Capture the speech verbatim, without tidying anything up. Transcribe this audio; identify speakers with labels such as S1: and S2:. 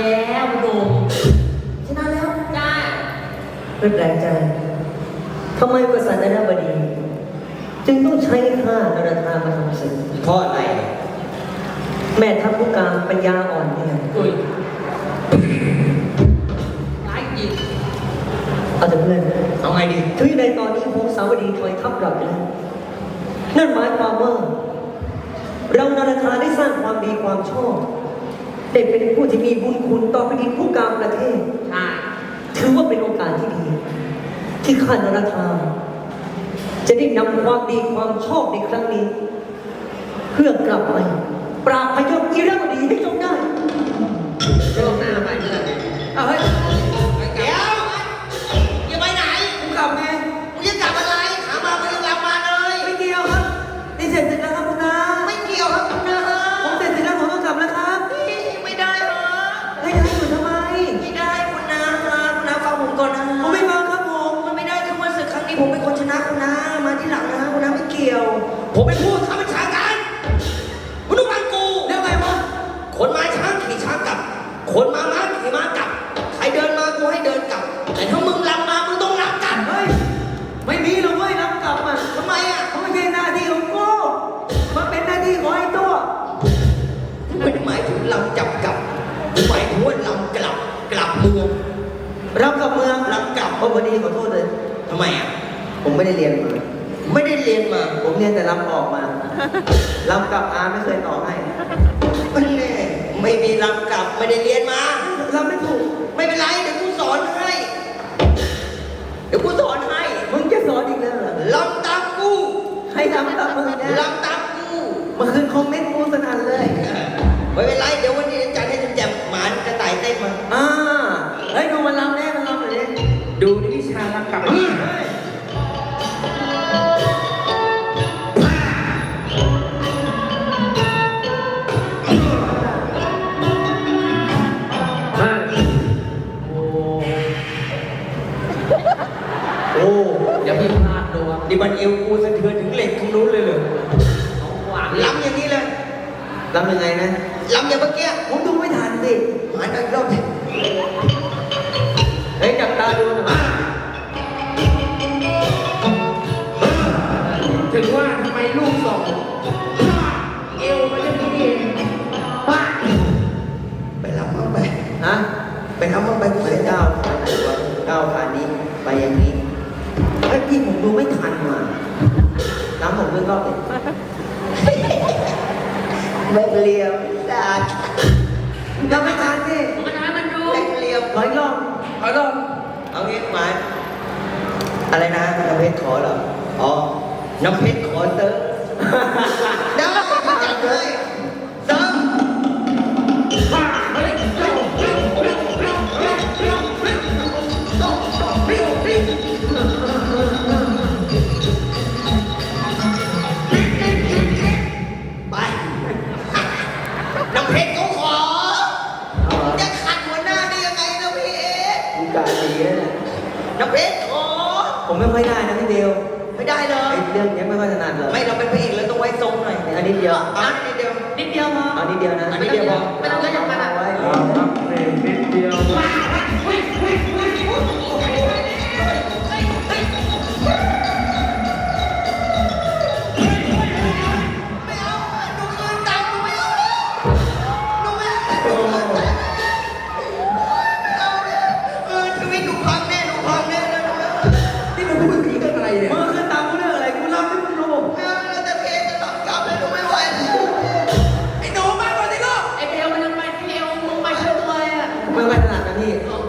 S1: แล้วดู
S2: ชนะแล้ว
S1: ได้
S2: ไม่แปลกใจทำไมกษัตริย์นบดีจึงต้องใช้ข้านรธามาทำศึก
S3: เพราะอะไร
S2: แม่ทัพผู้การปัญญาอ่อนเนี่ย
S1: อุ้ยร้ายจริง
S2: เอาแต่เพื่อน
S3: เอาไงดี
S2: ถึงในตอนนี้พงศาวดีถอยทัพกลับไปแล้วนั่นหมายความว่าเรานรธาได้สร้างความดีความชอบได้เป็นผู้ที่มีบุญคุณต่อแผ่นดินผู้การประเทศ
S1: ใช่
S2: ถือว่าเป็นโอกาสที่ดีที่ข้านรธาจะได้นำความดีความชอบในครั้งนี้เพื่อกลับไปปราบพยศอีระบดีให้จงได้
S1: เรื่องหน้าไปเพื่อนเอาเฮ้ย
S3: เดี๋ยวอย่าไปไหนกูกลับไงกูจะกลับอะไรถามมาไม่ต้องกลับมาเลย
S2: ไม่เกี่ยวครับนี่เสร็จแล้วครับคุณนา
S3: ไม่เกี่ยวครับคุณนา
S2: ผมเสร็จแล้วผมต้องกลับแล้วครับ
S3: ไม่ได้เหรอ
S2: ให้ได้อยู่ทำไม
S3: ไม่ได้คุณนาคุณนาฟังผมก่อนนะ
S2: ผมไม่ฟังครับผม
S3: มันไม่ได้คือว่าศึกครั้งนี้ผมเป็นคนชนะคุณนามาที่หลังนะคุณนาไม่เกี่ยวผมเป็นผู้ข้าราชการคุณต้องฟังกู
S2: แล้วไงวะ
S3: คนมาช้างขี่ช้างกลับคนมาม้าขี่ม้ากลับใครเดินมากูให้เดินกลับแต่ถ้ามึงลำมามึงต้องรับกลับ
S2: เฮ้ยไม่มีหรอกเว้ยรับกลับอ่ะ
S3: ทำไมอ่ะ
S2: เขาไม่ใช่หน้าที่ของกูมันเป็นหน้าที่ของไอ้ตัว
S3: ไม่ได้หมายถึงลำจับกลับหมายถึงว่าลำกลับกลับเมือง
S2: รับกับเมือง
S3: ลำกลับ
S2: เพราะวันนี้ขอโทษเลย
S3: ทำไมอ่ะ
S2: ผมไม่ได้เรียนมา
S3: ไม่ได้เรียนมา
S2: ผมเรียนแต่ลำออกมาลำกับอาไม่เคยต่อให้
S3: ไม่แน่ไม่มีลำกลับไม่ได้เรียนมา
S2: ลำไม่ถูก
S3: ไม่เป็นไรเดี๋ยวกูสอนให้เดี๋ยวกูสอนให้
S2: มึงจะสอนอีกแล้วเหรอ
S3: ลำตามกู
S2: ให้ลำตามมึงนะ
S3: ลำตามกู
S2: เมื่อคืนคอมเมนต์กูสนั่นเลย
S3: ไม่เป็นไรเดี๋ยววันนี้จัดให้แจ่มหมานกระต่ายเต้นมา
S2: อ่าเฮ้ยดูมันลำแน่มันลำเลย
S3: ดูในวิชาลำกลับ
S1: โอ้อย่าเพิ่งพลาดดูครับ
S3: ดิบันเอวกูสะเทือนถึงเหล็กข้างนู้นเลยเลยล้ำอย่างนี้เลย
S2: ล้ำยังไงนะ
S3: ล้ำอย่างเมื่อกี้
S2: ผมดูไม่ทันสิ
S3: หายไปรอบ
S2: เฮ้ยจับตาดูนะ
S1: ถึงว่าทำไมลูกสองเอวมันจะมีเองป้า
S3: ไปล้ำมั่งไป
S2: ฮะ
S3: ไปล้ำมั่งไปกูเสีย
S2: ก้าวขาไหนวะก้าวขานี้ไปอย่างนี้ไอ้พี่ผมดูไม่ทันมาน้ำผมเพิ่งรอบเลย
S3: ไม่เลียมดาด
S2: ยังไม่ทันสิ
S1: มันทำมันดู
S3: ไม่เลียม
S2: ร้อยรอบ
S3: ร้อยรอบเอางี้หมายอะไรนะน้ำเพชรขอเหรออ๋อน้ำเพชรขอเติมได้ก็จัดเลยเติมน้ำเพชรเขาขอจะขัดหัวหน้าได้ยังไงน้ำเพชร
S2: กูการดีนะ
S3: น้ำเพชรขอ
S2: ผมไม่ค่อยได้นะพี่เดียว
S3: ไม่ได้เลย
S2: เรื่องนี้ไม่ค่อยถนัดเลย
S3: ไม่เราเป็นพระเอกแล้วต้องไว้ทรงหน่อย
S2: อันนี้เดียว
S3: อันนี้เดียว
S1: นิดเดียวพอ
S2: อันนี้เดียวนะ
S3: อันนี้เดียวพอ
S1: ไม่ต้องเยอะอย่างนั้น
S2: ไว้
S1: ครับนิดเดียว
S2: ไม่ค่อยถนัดนะพี่